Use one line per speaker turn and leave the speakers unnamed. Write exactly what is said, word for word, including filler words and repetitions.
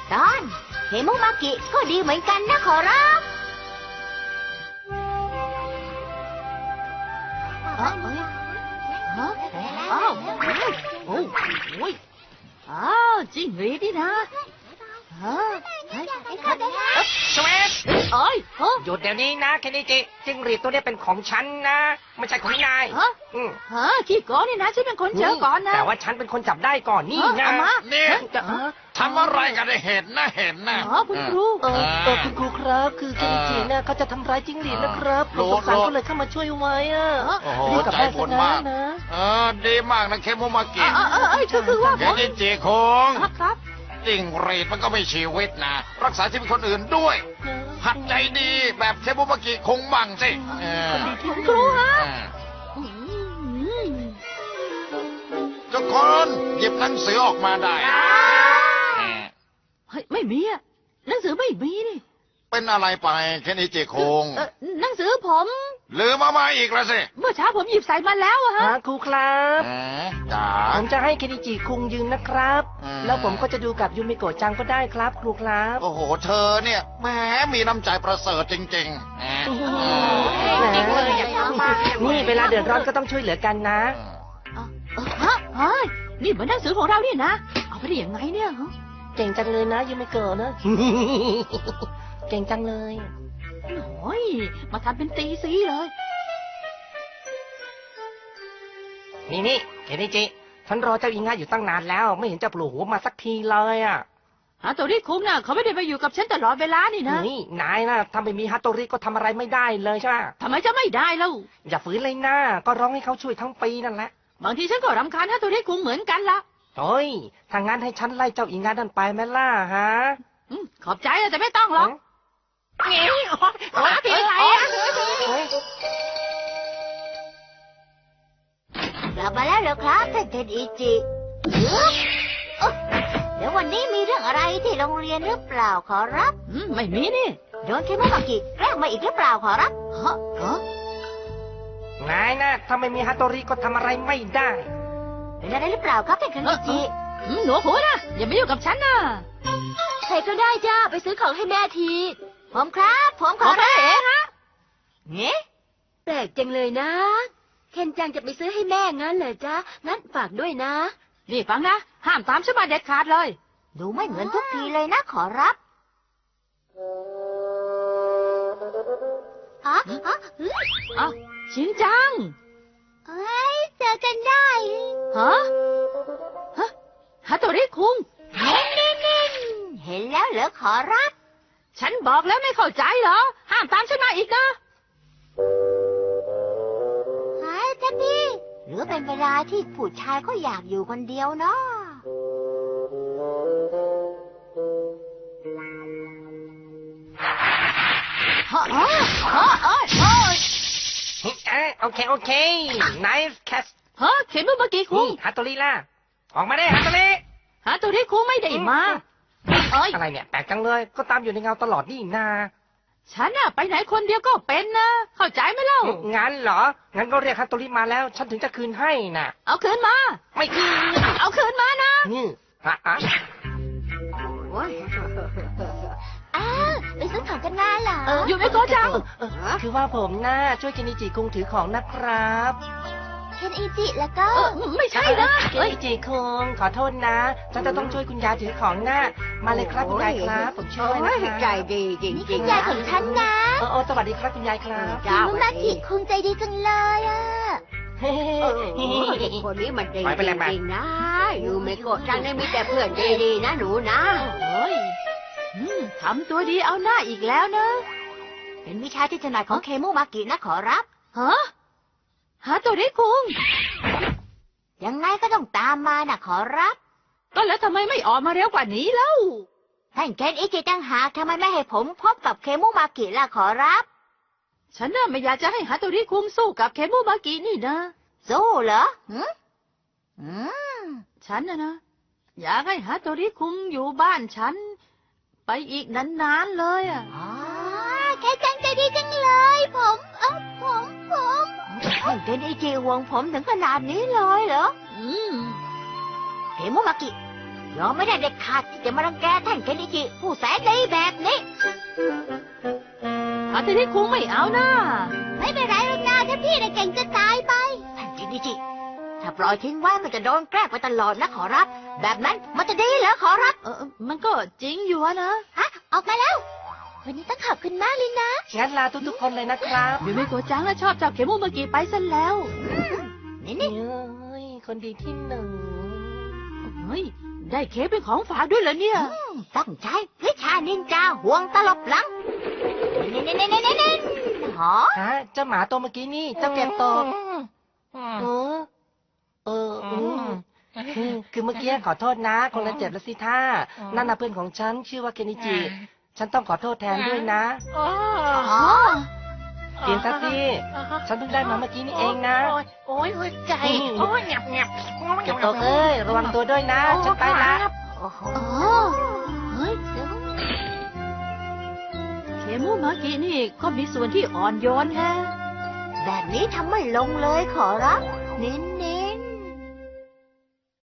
ตอนเคมุมากิก็ดีเหมือนกันนะขอรับ
อ้าวอ้าวอ้าวโอ้โอ้ยอ้าวจริงหรือดินะฮะ
สเวต
เอ้ย
หยุดเดี๋ยวนี้นะเคนนิจิจิ้งหรีดตัวนี้เป็นของฉันนะไม่ใช่ของนาย
ฮะฮะขี้โกงนี่นะฉันเป็นคนเจอก่อนนะ
แต่ว่าฉันเป็นคนจับได้ก่อนนี่นะ
เนี่ยทำอะไรกันได้เห็นนะเห็นนะ
อ๋อคุณครู
เออเออคุณครูครับคือเคนนิจิเนี่ยเขาจะทำร้ายจิ้งหรีดนะครับผมสงสารก็เลยเข้ามาช่วยไว้อ่ะ
รีบกลับบ้านซะนะเออดีมากนะเคมุมากิ
เออเออก็คือว่า
เคนนิจิคง
ครับ
จิ้งหรีดมันก็ไม่ชีวิตนะรักษาชีวิตคนอื่นด้วยหัดใจดีแบบเคมุมากิคงบังสิ
คุณครูฮะ
ทุกคนหยิบหนังสือออกมาได้
เฮ้ยไม่มีอะหนังสือไม่มีนี่
เป็นอะไรไปเคนนิจิคง
หนังสือผม
ลืมมามาอีกแล้วสิ
เมื่อเช้าผมหยิบใส่มาแล้วอะฮะ
ครูครับ
จ๋า
ผมจะให้เคนนิจิคุงยืนนะครับแล้วผมก็จะดูกับยูมิโกะจังก็ได้ครับครูครับ
โอ้โหเธอเนี่ยแหมมีน้ำใจประเสริฐจริงๆ
นี่เวลาเดือดร้อนก็ต้องช่วยเหลือกันนะ
ฮะเฮ้ยนี่เหมือนหนังสือของเราเนี่ยนะเอาไปได้ยังไงเนี่ย
เก่งจังเลยนะยูมิโกะนะเก่งจังเลย
โอ้ยมาทำเป็นตีซีเลย
นี่นี่เคนนิจิฉันรอเจ้าอิงาอยู่ตั้งนานแล้วไม่เห็นจะโผล่หัวมาสักทีเลยอ่ะ
ฮาโตริคุงน่ะเขาไม่ได้มาอยู่กับฉันตลอดเวลานี่นะ
นี่นายนะถ้าไม่มีฮาโตริก็ทำอะไรไม่ได้เลยใช่ไหม
ทำไมจะไม่ได้เล่า
อย่าฝืนเลยนะก็ร้องให้เขาช่วยทั้งปีนั่นแหละ
บางทีฉันก็รำคาญฮาโตริคุงเหมือนกันละ
โอ้ยถ้างั้นให้ฉันไล่เจ้าอิงานั่นไปไหมล่ะฮะ
ขอบใจแต่ไม่ต้องหรอกเฮ้ยโอ้ยผิดอะไรอ่ะ
กลับมาแล้วเหรอครับท่านเทนอิจิเดี๋ยววันนี้มีเรื่องอะไรที่โรงเรียนหรือเปล่าขอรับ
ไม่มีนี่
โดนเคมุมากิแกล้งมาอีกหรือเปล่าขอรับ
ฮะฮะ
นายนะถ้าไม่มีฮาโตริก็ทำอะไรไม่ได้
เป็นอะไรหรือเปล่าครับท่านเทนอิจิ
หนูหัวนะอย่ามายุ่งกับฉันนะ
ใครก็ได้จ้าไปซื้อของให้แม่ทีผมครับผมขอรับ
เองฮะ
เงี้ยแปลกจังเลยนะเคนจังจะไปซื้อให้แม่งั้นเหรอจ๊ะงั้นฝากด้วยนะ
นี่ฟังนะห้ามตามฉันมาเด็ดขาดเลย
ดูไม่เหมือนทุกทีเลยนะขอรับอ๋ออ๋
อชินจัง
เอ้ยเจอกันได้
ฮะฮะฮาโตริคุง
เห็นนิ่งๆเห็นแล้วเหรอขอรับ
ฉันบอกแล้วไม่เข้าใจเหรอห้ามตามฉันมาอีกนะ
หายท่านพี่หรือเป็นเวลาที่ผู้ชายก็อยากอยู่คนเดียวเนาะ
ฮะฮะฮะฮะ
โอเคโอเค nice catch
ฮะเข็มเมื่อกี้คุง
ฮาโตริล่ะออกมาได้ฮาโตริ
ฮาโตริคุงไม่ได้มา
อะไรเนี่ยแปลกจังเลยก็ตามอยู่ในเงาตลอดนี่นา
ฉันน่ะไปไหนคนเดียวก็เป็นนะเข้าใจไหมเล่า
งั้นเหรองั้นก็เรียกฮาโตริมาแล้วฉันถึงจะคืนให้น่ะ
เอาคืนมา
ไม่คืน
เอาคืนมานะ
นี่ฮะอ่ะ
อ้าวไปซื้อของกันมาเหรอ
อยู่ไม่โกจัง
คือว่าผมน่าช่วยเคนนิจิคุงถือของนะครับ
เคนอิจิแล้วก็
ไม่ใช่นะ
เคนอิจิคุงขอโทษนะฉันจะต้องช่วยคุณยายถือของนะมาเลยครับคุณยายครับผมช่วยนะคะ
ใจดีจริงๆคุณยายของฉันนะ
โอ้โอ้สวัสดีครับคุณยายครับ
คิมุมากิคุงใจดีจังเลยอ่ะคนนี้มันดีจริงๆนะอยู่ไม่โกรธจังได้มีแต่เพื่อนดีๆนะหนูนะ
ทำตัวดีเอาหน้าอีกแล้วนะ
เป็นวิชาที่ถนัดของเคมุมากินะขอรับ
ฮะฮาโตริคุง
ยังไงก็ต้องตามมานะขอรับ
ก็แล้วทำไมไม่ออกมาเร็วกว่านี้เล่า
ท่านเคนอิจิตั้งหากทำไมไม่ให้ผมพบกับเคมุมากิล่ะขอรับ
ฉันน่ะไม่อยากจะให้ฮาโตริคุงสู้กับเคมุมากินี่นะ
สู้เหรอหืมอื
มฉันน่ะนะอยากให้ฮาโตริคุงอยู่บ้านฉันไปอีกนานๆเลยอ่ะ
อ๋อแค่จังใจดีจังเลยผมเออผมผมท่านเคนอิจิห่วงผมถึงขนาดนี้เลยเหรอ
อืม
เคมุมากิ
ยอมไม่ได้เด็ดขาดที่จะมารังแกท่านเคนอิจิผู้แสนดีแบบนี้อาทิตย์คุงไม่เอานะไม่เป็นไรหรอกนะถ้าพี่น่ะเก่งจะตายไปท่านเคนอิจิถ้าปล่อยทิ้งไว้มันจะโดนแกล้งไปตลอดนะขอรับแบบนั้นมันจะดีเหรอขอรับเออมันก็จริงอยู่นะฮะออกมาแล้ววันนี้ต้องขอบคุณมากเลยนะ
งั้นลาทุกๆคนเลยนะครับ
ยูมิโกะจังชอบจับเขมุมากิไปซะแล้วนี่นี่
เอ้ยคนดีที่หนึ่ง
เฮ้ยได้เค้กเป็นของฝากด้วยเหรอเนี่ยต้องใช้วิชานินจาห่วงตลบหลังนี่นี่นี่นี่นี่นี่หอ
ฮะเจ้าหมาตัวเมื่อกี้นี่เจ้าเก็บตกเออเอออืมคือคือเมื่อกี้ขอโทษนะคงจะเจ็บแล้วสิท่านั่นน่ะเพื่อนของฉันชื่อว่าเกนิจิ ฉันต้องขอโทษแทนด้วยนะ
อ๋อ
กินซะสิฉันเพิ่งได้มาเมื่อกี้นี่เองนะ
โอ้ยหัวใจ โอ้ยหยับหยับ
เก็บตกเอ้ยระวังตัวด้วยนะ ฉันไปละ
อ๋อเฮ้ยเคมุมากินี่ก็มีส่วนที่อ่อนโยนแฮะแบบนี้ทำไม่ลงเลยขอรับนินนิ